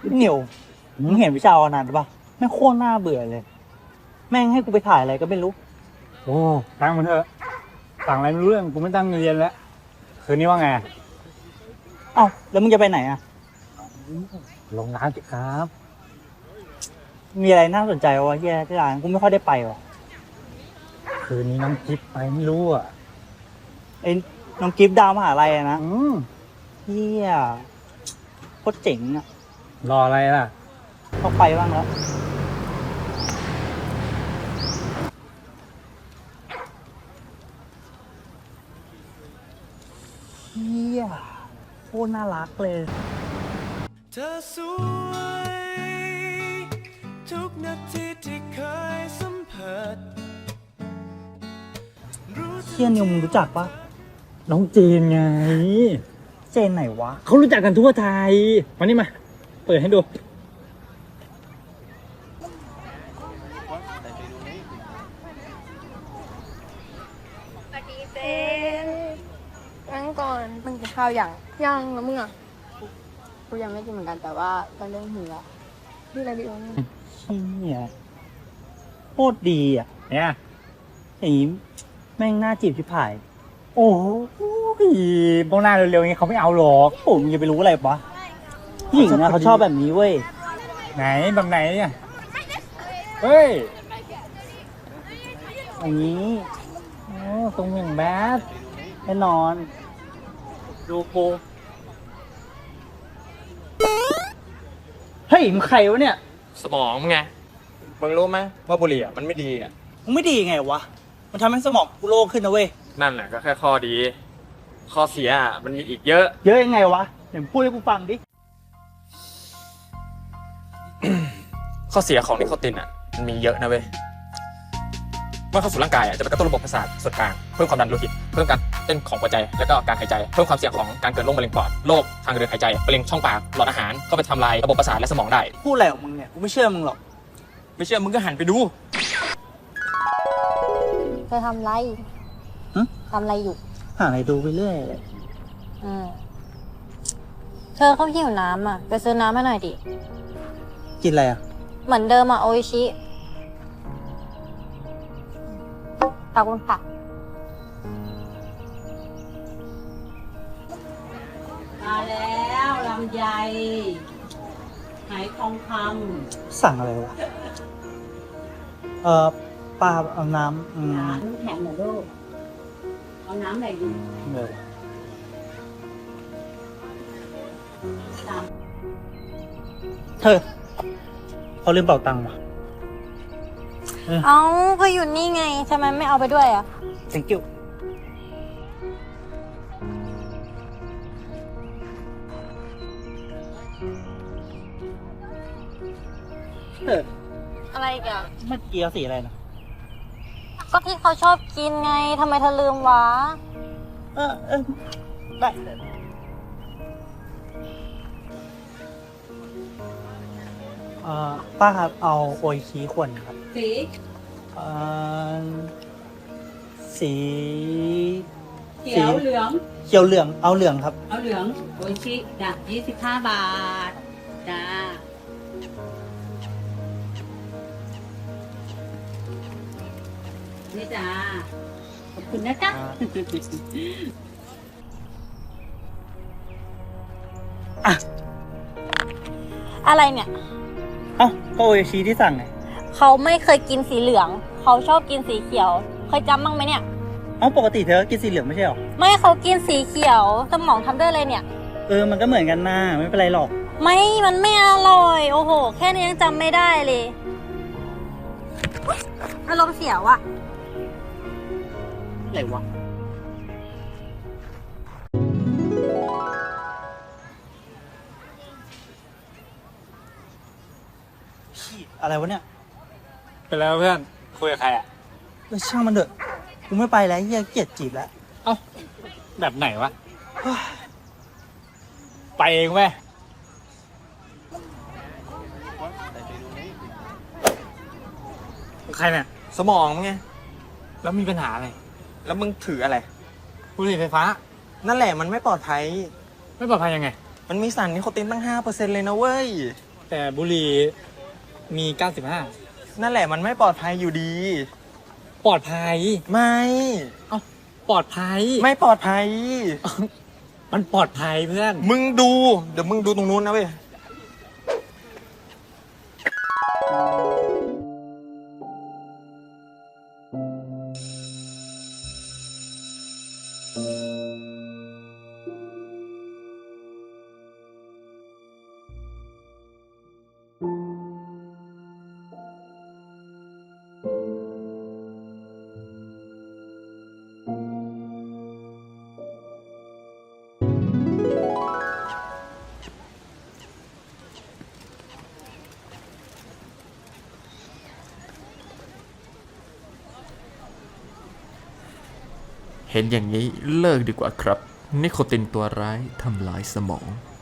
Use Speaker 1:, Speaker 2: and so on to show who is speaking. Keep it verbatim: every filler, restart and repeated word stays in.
Speaker 1: เหนียวมึงเห็นวิชาอนันต์ปะแม่งโคตรน่าเบื่อเลย แม่งให้กูไปถ่ายอะไรก็ไม่รู้
Speaker 2: โอ้ตั้งมันเถอะสั่งอะไรไม่รู้เรื่องกูไม่ตั้งเรียนแล้วคืนนี้ว่าไง
Speaker 1: เอ้าแล้วมึงจะไปไหนอ่ะ
Speaker 2: ลงน้ำสิครับ
Speaker 1: มีอะไรน่าสนใจวะเฮียที่ร้านกูไม่ค่อยได้ไปวะ
Speaker 2: คืนนี้น้องจิ๊บไปไม่รู้อ่ะ
Speaker 1: ไอ้น้องกิฟต์ดาวมหาลัยอะนะ
Speaker 2: อืม
Speaker 1: เฮียโคตรเจ๋งอ่ะ
Speaker 2: รออะไรล่ะ
Speaker 1: ต้องไปบ้างแล้วเฮียโคตรน่ารักเลย
Speaker 3: เธอสวยทุกนาทีที่เคยสัมผัส
Speaker 1: เฮียนิวมึงรู้จักปะ
Speaker 2: น้องเจนไง
Speaker 1: เจนไหนวะ
Speaker 2: เขารู้จักกันทั่วไทยมานี่มาเปิดให้ดู
Speaker 4: สวัสดีเจนนั่งก่อนมึงกินข้าวยังยังแล้วมึงอ่ะกูยังไม่กินเหมือนกันแต่ว่าก็เริ่มหิวแล้วนี่อะไรดีวะเนี่ย
Speaker 1: เฮียโคตรดีอ่ะ
Speaker 2: เนี่ย
Speaker 1: อย่างนี้แม่งน่าจีบชิบหาย
Speaker 2: โอ้โหโบหน้าเร็วๆอย่างนี้เขาไม่เอาหรอก
Speaker 1: ผมจะไปรู้อะไรปะผู้หญิงนะเขาชอบแบบนี้เว้ย
Speaker 2: ไหนแบบไหนเนี่ยเฮ้ย
Speaker 1: อย่างนี้
Speaker 2: โอ้ทรงอย่างแบด
Speaker 1: แน่นอน
Speaker 2: ดูกู
Speaker 1: เฮ้ยมึงใครวะเนี่ย
Speaker 5: สมองมึงไง มึงรู้ไหมว่าบุหรี่อ่ะมันไม่ดีอ่ะ
Speaker 1: มึงไม่ดีไงวะ มันทำให้สมองกูโล่งขึ้นนะเว้ย
Speaker 5: นั่นแหละก็แค่ข้อดี ข้อเสียอ่ะมันมีอีกเยอะ
Speaker 1: เยอะยังไงวะเดี๋ยวพูดให้กูฟังดิ
Speaker 5: ข้อเสียของนิโคตินอ่ะมันมีเยอะนะเว้ย เมื่อเข้าสู่ร่างกายอ่ะจะไปกระตุ้นระบบประสาทส่วนกลางเพิ่มความดันโลหิตเพิ่มการเต้นของหัวใจและก็การหายใจเพิ่มความเสี่ยงของการเกิดโรคมะเร็งปอดโรคทางเดินหายใจมะเร็งช่องปากหลอดอาหารเข้าไปทำลายระบบประสาทและสมองได้
Speaker 1: พูดอะไรของมึงเนี่ย กูไม่เชื่อมึงหรอก
Speaker 5: ไม่เชื่อมึงก็หันไปดู
Speaker 4: เธอทำไร
Speaker 1: หึ
Speaker 4: ทำอะไรอยู่
Speaker 1: หาอะไรดูไปเรื่อยเลย
Speaker 4: อืมเธอเขาหิวน้ำอ่ะไปซื้อน้ำให้หน่อยดิ
Speaker 1: กินอะไรอ่ะ
Speaker 4: เหมือนเดิมอ่ะโออิชิขอบคุณค่ะ
Speaker 6: มาแล้วลำไยหายทองค
Speaker 1: สั่งอะไรวะ เอ่อปลาเอาน้ำอื
Speaker 6: ำ
Speaker 1: ม
Speaker 6: น้ำแข็งเหรอลูกเอาน้ำอะไรดี
Speaker 1: เออ
Speaker 6: ตาม
Speaker 1: เธอเขาลืมเป่าตังค์ว่ะ
Speaker 4: เอ้าก็อยู่นี่ไงทำไมไม่เอาไปด้วยอ่ะ
Speaker 1: thank you เออ
Speaker 4: อะไรอีกัน
Speaker 1: เมื่อกี้เอาสีอะไรนะ
Speaker 4: ก็ที่เขาชอบกินไงทำไมเธอลืมวะ
Speaker 1: เออเออได้เอ่อป้าครับ เอาโออิชิขวดครับ
Speaker 6: สี
Speaker 1: เอ่อสี
Speaker 6: เขียวเหลือง
Speaker 1: เขียวเหลือง เอาเหลืองครับ
Speaker 6: เอาเหลืองโออิชิจ้ะยี่สิบห้าบาท จ้า นี่จ้า ขอบคุณนะจ๊ะ
Speaker 4: อะไรเนี่ย
Speaker 1: เอ้าก็โออิชิที่สั่งไง
Speaker 4: เขาไม่เคยกินสีเหลือง เขาชอบกินสีเขียว เคยจำบ้างไหมเนี่ย
Speaker 1: เอ้าปกติเธอก็กินสีเหลืองไม่ใช่หรอ
Speaker 4: ไม่เขากินสีเขียว สมองทำด้วยอะไรเนี่ย
Speaker 1: เออ มันก็เหมือนกันนะไม่เป็นไรหรอก
Speaker 4: ไม่ มันไม่อร่อย โอ้โห แค่นี้ยังจำไม่ได้เลยอารมณ์เสียว่ะ
Speaker 1: อะไรวะพี่อะไรวะเนี่ย
Speaker 2: เป็นแล้วเพื่อนคุยกับใครอ่ะ
Speaker 1: เออช่างมันเถอะ กูไม่ไปแล้วเฮียเกลียดจีบแล้ว
Speaker 2: เอ้าแบบไหนวะไปเองไหมใครเนี่ย
Speaker 5: สมองมึงไง
Speaker 2: แล้วมีปัญหาอะไร
Speaker 5: แล้วมึงถืออะไร
Speaker 2: บุหรี่ไฟฟ้า
Speaker 5: นั่นแหละมันไม่ปลอดภัย
Speaker 2: ไม่ปลอดภัยยังไง
Speaker 5: มันมีสารนิโคตินตั้ง ห้าเปอร์เซ็นต์ เลยนะเว้ย
Speaker 2: แต่บุหรี่มีเก้าสิบห้า
Speaker 5: นั่นแหละมันไม่ปลอดภัยอยู่ดี
Speaker 2: ปลอดภัย
Speaker 5: ไม่
Speaker 2: เอ้าปลอดภัย
Speaker 5: ไม่ปลอดภัย
Speaker 2: มันปลอดภัยเพื่อน
Speaker 5: มึงดู เดี๋ยวมึงดูตรงนู้นนะเว้ย
Speaker 7: เห็นอย่างนี้เลิกดีกว่าครับ นิโคตินตัวร้ายทำลายสมอง